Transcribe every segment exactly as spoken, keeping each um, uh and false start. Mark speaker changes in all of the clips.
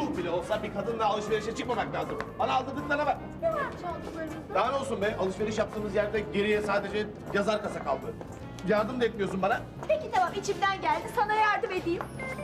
Speaker 1: ruh bile olsa bir kadınla alışverişe çıkmamak lazım. Bana aldırdıklarına bak.
Speaker 2: Ne var çantalarınızda?
Speaker 1: Daha ne olsun be? Alışveriş yaptığımız yerde geriye sadece yazar kasa kaldı. Yardım da etmiyorsun bana.
Speaker 2: Peki tamam, içimden geldi, sana yardım edeyim.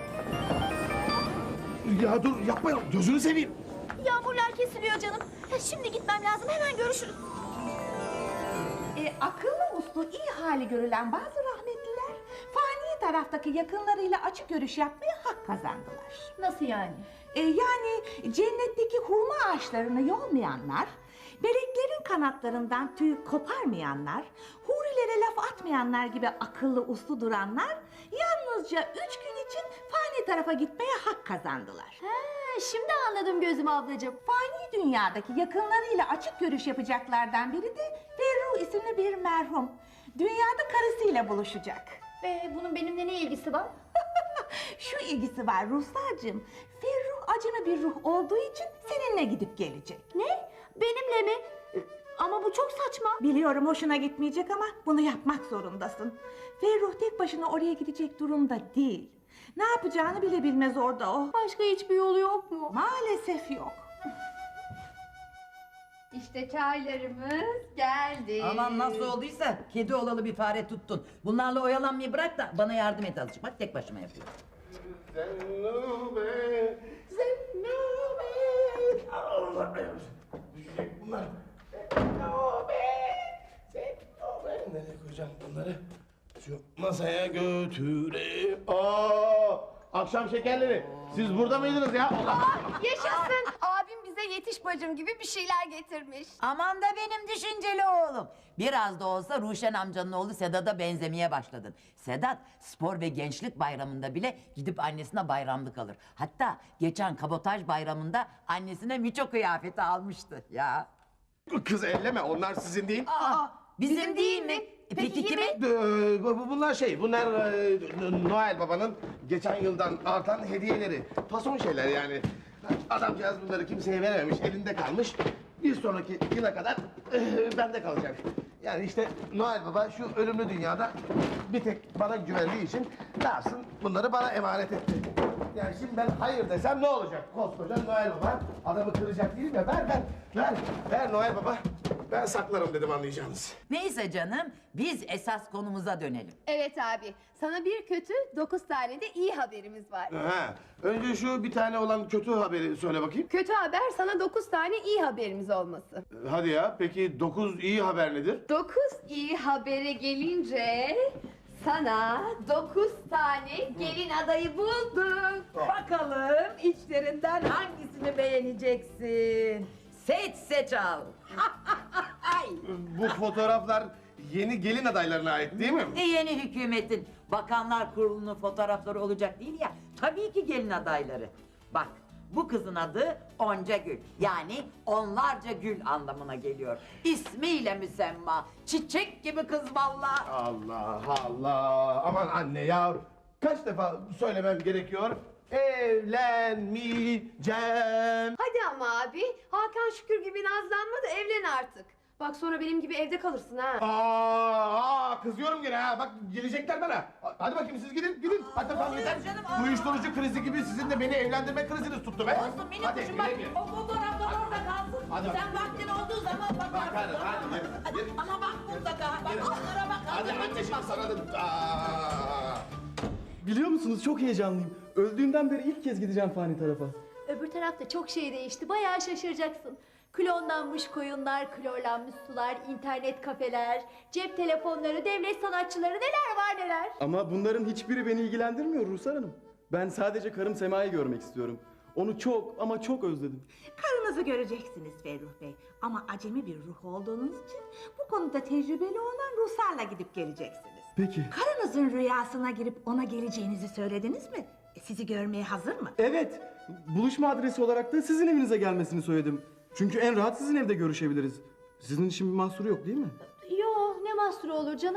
Speaker 1: Ya dur yapma ya. Gözünü seveyim.
Speaker 2: Yağmurlar kesiliyor canım. Ya şimdi gitmem lazım, hemen görüşürüz.
Speaker 3: E, akıllı uslu iyi hali görülen bazı rahmetliler fani taraftaki yakınlarıyla açık görüş yapmaya hak kazandılar.
Speaker 2: Nasıl yani?
Speaker 3: E, yani cennetteki hurma ağaçlarını yolmayanlar, meleklerin kanatlarından tüy koparmayanlar, hurilere laf atmayanlar gibi akıllı uslu duranlar yalnızca üç gün için fani tarafa gitmeye hak kazandılar.
Speaker 2: He, şimdi anladım gözüm ablacığım.
Speaker 3: Fani dünyadaki yakınlarıyla açık görüş yapacaklardan biri de Ferruh isimli bir merhum. Dünyada karısıyla buluşacak.
Speaker 2: Ve bunun benimle ne ilgisi var?
Speaker 3: Şu ilgisi var Ruhsar'cığım. Ferruh acemi bir ruh olduğu için seninle gidip gelecek.
Speaker 2: Ne? Benimle mi? Ee, Ama bu çok saçma.
Speaker 3: Biliyorum hoşuna gitmeyecek ama bunu yapmak zorundasın. Ferruh tek başına oraya gidecek durumda değil. Ne yapacağını bile bilmez orada o.
Speaker 2: Başka hiçbir yolu yok mu?
Speaker 3: Maalesef yok.
Speaker 4: İşte çaylarımız geldi.
Speaker 5: Aman nasıl olduysa kedi olalı bir fare tuttun. Bunlarla oyalanmayı bırak da bana yardım et azıcık. Bak tek başıma yapıyorum.
Speaker 1: Zennube, Zennube. Allah düşecek bunlar. Zennube, Zennube. Nereye koyacağım bunları? Şu masaya götüre. Aa, akşam şekerleri. Siz burada mıydınız ya? Allah.
Speaker 4: Yaşasın. Abim bize yetiş bacım gibi bir şeyler getirmiş.
Speaker 5: Aman da benim düşünceli oğlum. Biraz da olsa Ruşen amcanın oğlu Sedat'a benzemeye başladın. Sedat spor ve gençlik bayramında bile gidip annesine bayramlık alır. Hatta geçen kabotaj bayramında annesine miço kıyafeti almıştı ya.
Speaker 1: Kız elleme, onlar sizin değil.
Speaker 5: Aa, bizim, değil mi? E, Peki, kimin?
Speaker 1: Ee, bu- Bunlar şey, bunlar e, Noel Baba'nın geçen yıldan artan hediyeleri. Fason şeyler yani. Adamcağız bunları kimseye verememiş, elinde kalmış. Bir sonraki yıla kadar e, bende kalacak. Yani işte Noel Baba şu ölümlü dünyada bir tek bana güvendiği için ne yapsın, bunları bana emanet etti. Yani şimdi ben hayır desem ne olacak? Koskoca Noel Baba adamı kıracak değil mi? Ver ver, ver, ver Noel Baba. Ben saklarım dedim, anlayacağınız.
Speaker 5: Neyse canım biz esas konumuza dönelim.
Speaker 4: Evet abi. Sana bir kötü, dokuz tane de iyi haberimiz var.
Speaker 1: Ha, önce şu bir tane olan kötü haberi söyle bakayım.
Speaker 4: Kötü haber sana dokuz tane iyi haberimiz olması.
Speaker 1: Hadi ya, peki dokuz iyi haber nedir?
Speaker 4: Dokuz iyi habere gelince sana dokuz tane gelin adayı buldum.
Speaker 5: Bakalım içlerinden hangisini beğeneceksin? Seç seç al. Ay.
Speaker 1: Bu fotoğraflar yeni gelin adaylarına ait değil mi?
Speaker 5: E, yeni hükümetin bakanlar kurulunun fotoğrafları olacak değil ya. Tabii ki gelin adayları. Bak bu kızın adı Onca Gül. Yani onlarca gül anlamına geliyor. İsmiyle müsemma. Çiçek gibi kız vallahi.
Speaker 1: Allah Allah, aman anne ya. Kaç defa söylemem gerekiyor? Evlenmeyeceğim.
Speaker 4: Hadi ama abi. Hakan Şükür gibi nazlanma da evlen artık. Bak sonra benim gibi evde kalırsın ha.
Speaker 1: Aa, aa, kızıyorum gene ha. Bak gelecekler bana. Hadi bakayım siz gidin, gidin. Hadi tamam yeter.
Speaker 5: canım, aa.
Speaker 1: Uyuşturucu krizi gibi sizin de beni evlendirme kriziniz tuttu be.
Speaker 5: Olsun minik
Speaker 1: Hadi,
Speaker 5: kuşum bak
Speaker 1: güle güle.
Speaker 5: o fotoğraflar orada kalsın.
Speaker 1: Hadi bak.
Speaker 5: Sen vaktin olduğu zaman bakarsın.
Speaker 1: Bakarım, hadi, yürü,
Speaker 5: Hadi,
Speaker 1: yürü.
Speaker 5: ama bak mutlaka. Bak onlara bak.
Speaker 1: Hadi
Speaker 5: hazır
Speaker 1: anne
Speaker 5: mısın?
Speaker 1: şimdi sana da... Aa.
Speaker 6: Biliyor musunuz çok heyecanlıyım. Öldüğümden beri ilk kez gideceğim fani tarafa.
Speaker 2: Öbür tarafta çok şey değişti, bayağı şaşıracaksın. Klonlanmış koyunlar, klorlanmış sular, internet kafeler, cep telefonları, devlet sanatçıları, neler var neler.
Speaker 6: Ama bunların hiçbiri beni ilgilendirmiyor Ruhsar Hanım. Ben sadece karım Sema'yı görmek istiyorum. Onu çok ama çok özledim.
Speaker 3: Karınızı göreceksiniz Ferruh Bey. Ama acemi bir ruh olduğunuz için bu konuda tecrübeli olan Ruhsar'la gidip geleceksiniz.
Speaker 6: Peki.
Speaker 3: Karınızın rüyasına girip ona geleceğinizi söylediniz mi? E, Sizi görmeye hazır mı?
Speaker 6: Evet. Buluşma adresi olarak da sizin evinize gelmesini söyledim. Çünkü en rahat sizin evde görüşebiliriz. Sizin için bir mahsuru yok değil mi?
Speaker 2: Yo, ne mahsuru olur canım.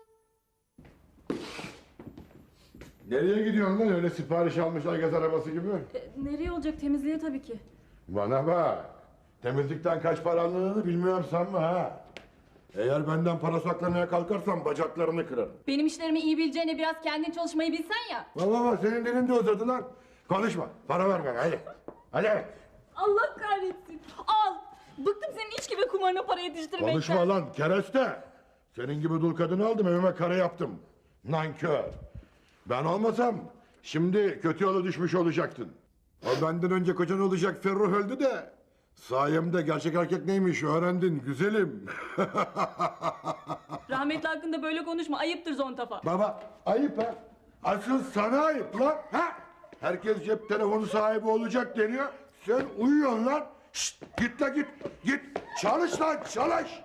Speaker 7: Nereye gidiyorsun lan öyle sipariş almışlar gaz arabası gibi?
Speaker 8: Nereye olacak, temizliğe tabii ki.
Speaker 7: Bana bak. Temizlikten kaç para alındığını bilmiyorum sanma ha. Eğer benden para saklamaya kalkarsan bacaklarını kırarım.
Speaker 8: Benim işlerimi iyi bileceğine biraz kendin çalışmayı bilsen ya.
Speaker 7: Baba bak senin dilin de uzadı lan. Konuşma. Para ver bana hadi. Hadi.
Speaker 8: Allah kahretsin. Al. Bıktım senin içki ve kumarına para yetiştirmekten.
Speaker 7: Konuşma lan kereste. Senin gibi dul kadını aldım evime kara yaptım. Nankör. Ben olmasam şimdi kötü yola düşmüş olacaktın. O benden önce kocan olacak Ferruh öldü de sayemde gerçek erkek neymiş öğrendin güzelim.
Speaker 8: Rahmetli hakkında böyle konuşma. Ayıptır Zontafa.
Speaker 7: Baba ayıp ha. Asıl sana ayıp lan. Ha? Herkes cep telefonu sahibi olacak deniyor. Sen uyuyorsun lan. Şşt, git la git. Git. Çalış lan çalış.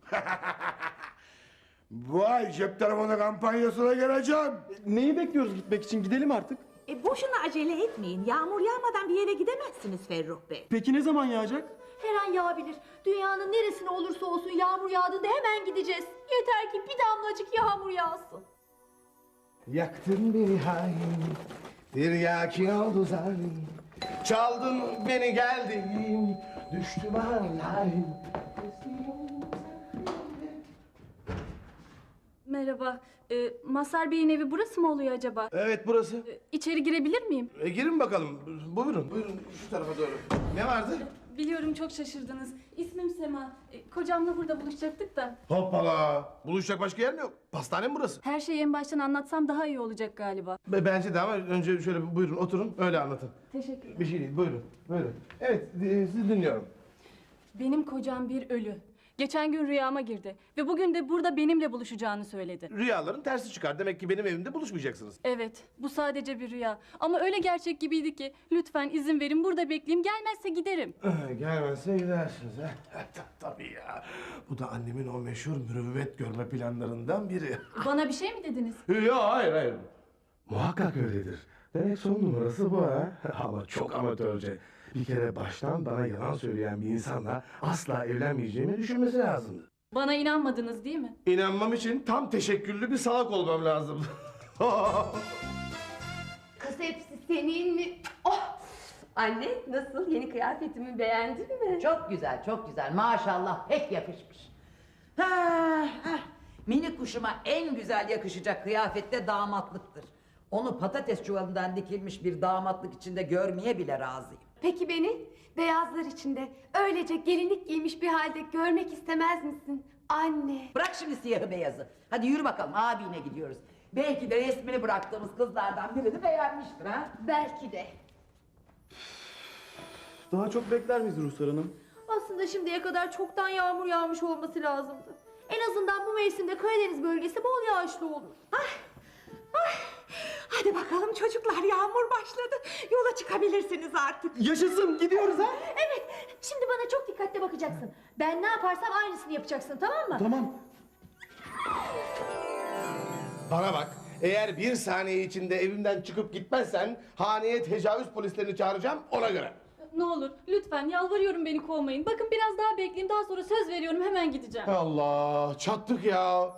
Speaker 7: Bu ay cep telefonu kampanyasına geleceğim.
Speaker 6: Neyi bekliyoruz gitmek için? Gidelim artık.
Speaker 3: E boşuna acele etmeyin. Yağmur yağmadan bir yere gidemezsiniz Ferruh Bey.
Speaker 6: Peki ne zaman yağacak?
Speaker 2: Her an yağabilir. Dünyanın neresine olursa olsun yağmur yağdığında hemen gideceğiz. Yeter ki bir damlacık yağmur yağsın.
Speaker 1: Yaktın beni hain, tiryaki oldu zalim. Çaldın beni geldim, düştüm hain.
Speaker 8: Merhaba. Ee, Mazhar Bey'in evi burası mı oluyor acaba?
Speaker 1: Evet burası.
Speaker 8: Ee, İçeri girebilir miyim?
Speaker 1: E, girin bakalım. Buyurun, buyurun şu tarafa doğru. Ne vardı?
Speaker 8: Biliyorum çok şaşırdınız. İsmim Sema. Ee, kocamla burada buluşacaktık da.
Speaker 1: Hoppala. Buluşacak başka yer mi yok? Pastane mi burası?
Speaker 8: Her şeyi en baştan anlatsam daha iyi olacak galiba.
Speaker 1: Be- Bence de ama önce şöyle buyurun oturun öyle anlatın.
Speaker 8: Teşekkür
Speaker 1: Bir şey değil buyurun. Buyurun. Evet e, sizi dinliyorum.
Speaker 8: Benim kocam bir ölü. Geçen gün rüyama girdi ve bugün de burada benimle buluşacağını söyledi.
Speaker 1: Rüyaların tersi çıkar. Demek ki benim evimde buluşmayacaksınız.
Speaker 8: Evet, bu sadece bir rüya. Ama öyle gerçek gibiydi ki lütfen izin verin burada bekleyeyim. Gelmezse giderim.
Speaker 1: Eh, Gelmezse gidersiniz ha. Ta- Tabii ya. Bu da annemin o meşhur mürüvvet görme planlarından biri.
Speaker 8: Bana bir şey mi dediniz?
Speaker 1: Yok hayır hayır. Muhakkak öyledir. Demek son numarası bu ha. Ama çok amatörce. Bir kere baştan bana yalan söyleyen bir insanla asla evlenmeyeceğimi düşünmesi lazımdı.
Speaker 8: Bana inanmadınız değil mi?
Speaker 1: İnanmam için tam teşekküllü bir salak olmam lazım.
Speaker 4: Kız hepsi senin mi? Oh! Anne nasıl? Yeni kıyafetimi beğendin mi?
Speaker 5: Çok güzel, çok güzel. Maşallah pek yakışmış. Ha, ha. Mini kuşuma en güzel yakışacak kıyafette damatlıktır. Onu patates çuvalından dikilmiş bir damatlık içinde görmeye bile razıyım.
Speaker 4: Peki beni beyazlar içinde öylece gelinlik giymiş bir halde görmek istemez misin? Anne.
Speaker 5: Bırak şimdi siyahı beyazı. Hadi yürü bakalım abine gidiyoruz. Belki de resmini bıraktığımız kızlardan birini beğenmiştir ha.
Speaker 4: Belki de.
Speaker 6: Daha çok bekler miyiz Ruhsar Hanım?
Speaker 2: Aslında şimdiye kadar çoktan yağmur yağmış olması lazımdı. En azından bu mevsimde Karadeniz bölgesi bol yağışlı olur.
Speaker 3: Hadi bakalım çocuklar, yağmur başladı. Yola çıkabilirsiniz artık.
Speaker 6: Yaşasın, gidiyoruz ha?
Speaker 2: Evet, şimdi bana çok dikkatli bakacaksın. Ben ne yaparsam aynısını yapacaksın, tamam mı?
Speaker 6: Tamam.
Speaker 1: Bana bak. Eğer bir saniye içinde evimden çıkıp gitmezsen haneye tecavüz polislerini çağıracağım ona göre.
Speaker 8: Ne olur lütfen yalvarıyorum beni kovmayın. Bakın biraz daha bekleyin daha sonra söz veriyorum hemen gideceğim.
Speaker 1: Allah çattık ya.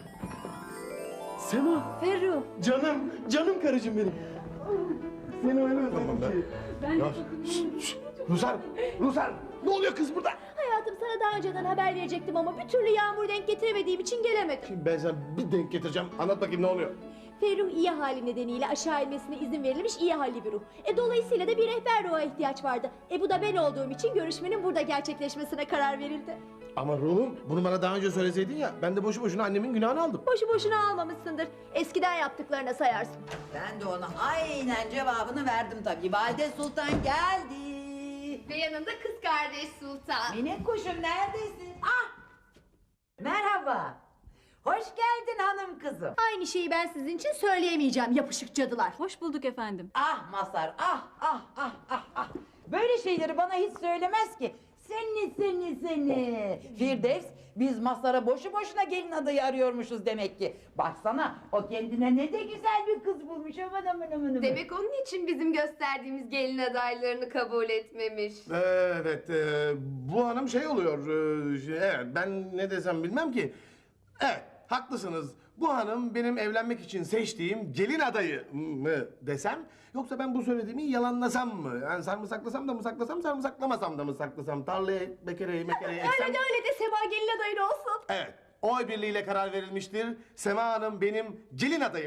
Speaker 6: Sema,
Speaker 2: Ferruh,
Speaker 6: canım, canım karıcığım benim. Seni öyle özledim ki.
Speaker 8: Ben
Speaker 1: Ya, şşt, şşt. Rusar, Rusar ne oluyor kız burada?
Speaker 2: hayatım sana daha önceden haber verecektim ama bir türlü yağmur denk getiremediğim için gelemedim.
Speaker 1: Şimdi ben sana bir denk getireceğim. Anlat bakayım ne oluyor?
Speaker 2: Ferruh iyi hali nedeniyle aşağı inmesine izin verilmiş iyi halli bir ruh. E dolayısıyla da bir rehber ruha ihtiyaç vardı. E bu da ben olduğum için görüşmenin burada gerçekleşmesine karar verildi.
Speaker 1: Ama ruhum bunu bana daha önce söyleseydin ya ben de boşu boşuna annemin günahını aldım.
Speaker 2: Boşu boşuna almamışsındır. Eskiden yaptıklarına sayarsın.
Speaker 5: Ben de ona aynen cevabını verdim tabii. Valide Sultan geldi.
Speaker 4: Ve yanında kız kardeş Sultan.
Speaker 5: Minik kuşum neredesin? Ah! Merhaba. Hoş geldin hanım kızım.
Speaker 2: Aynı şeyi ben sizin için söyleyemeyeceğim yapışık cadılar.
Speaker 8: Hoş bulduk efendim.
Speaker 5: Ah Mazhar, ah ah ah ah ah. Böyle şeyleri bana hiç söylemez ki. Seni seni seni. Firdevs, biz Mazhar'a boşu boşuna gelin adayı arıyormuşuz demek ki. Baksana, o kendine ne de güzel bir kız bulmuş. Aman aman aman aman.
Speaker 4: Demek onun için bizim gösterdiğimiz gelin adaylarını kabul etmemiş.
Speaker 1: Evet, e, bu hanım şey oluyor. e, şey, evet, ben ne desem bilmem ki. Evet, haklısınız. Bu hanım benim evlenmek için seçtiğim gelin adayı mı desem? Yoksa ben bu söylediğimi yalanlasam mı? Yani sarımsaklasam da mı saklasam, sarımsaklamasam da mı saklasam? Tarlaya bekereyi mekereyi eksem...
Speaker 2: Öyle de öyle de Sema gelin adayın olsun.
Speaker 1: Evet, oy birliğiyle karar verilmiştir. Sema Hanım benim gelin adayımdır.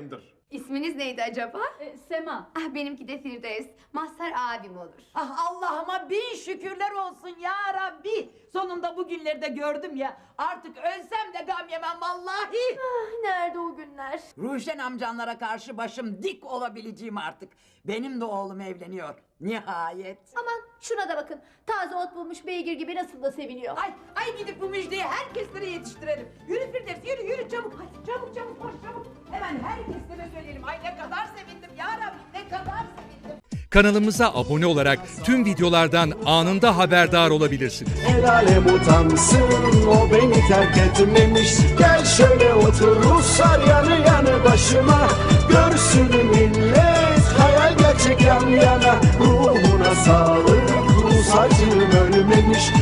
Speaker 4: İsminiz neydi acaba?
Speaker 8: E, Sema.
Speaker 4: Ah, benimki de Firdevs. Mazhar abim olur.
Speaker 5: Ah Allah'ıma bin şükürler olsun ya Rabbi. Sonunda bu günleri de gördüm ya. Artık ölsem de gam yemem vallahi.
Speaker 2: Ah, nerede o günler?
Speaker 5: Ruşen amcanlara karşı başım dik olabileceğim artık. Benim de oğlum evleniyor. Nihayet.
Speaker 2: Aman şuna da bakın. Taze ot bulmuş beygir gibi nasıl da seviniyor.
Speaker 5: Ay, ay gidip bu müjdeyi herkeslere yetiştirelim. Yürü Firdevs, yürü yürü çabuk. Hadi çabuk çabuk koş çabuk. Hemen herkeslere söyleyelim. Ay ne kadar sevindim ya Rabbi, ne kadar sevindim.
Speaker 9: Kanalımıza abone olarak tüm videolardan anında haberdar olabilirsiniz.
Speaker 10: El alem utansın, o beni terk etmemiş. Gel şöyle otur Ruslar yanı yanı başıma. Görsün millet hayal gerçek yan yana. Ruhuna sağlık, Rus acım ölmemiş.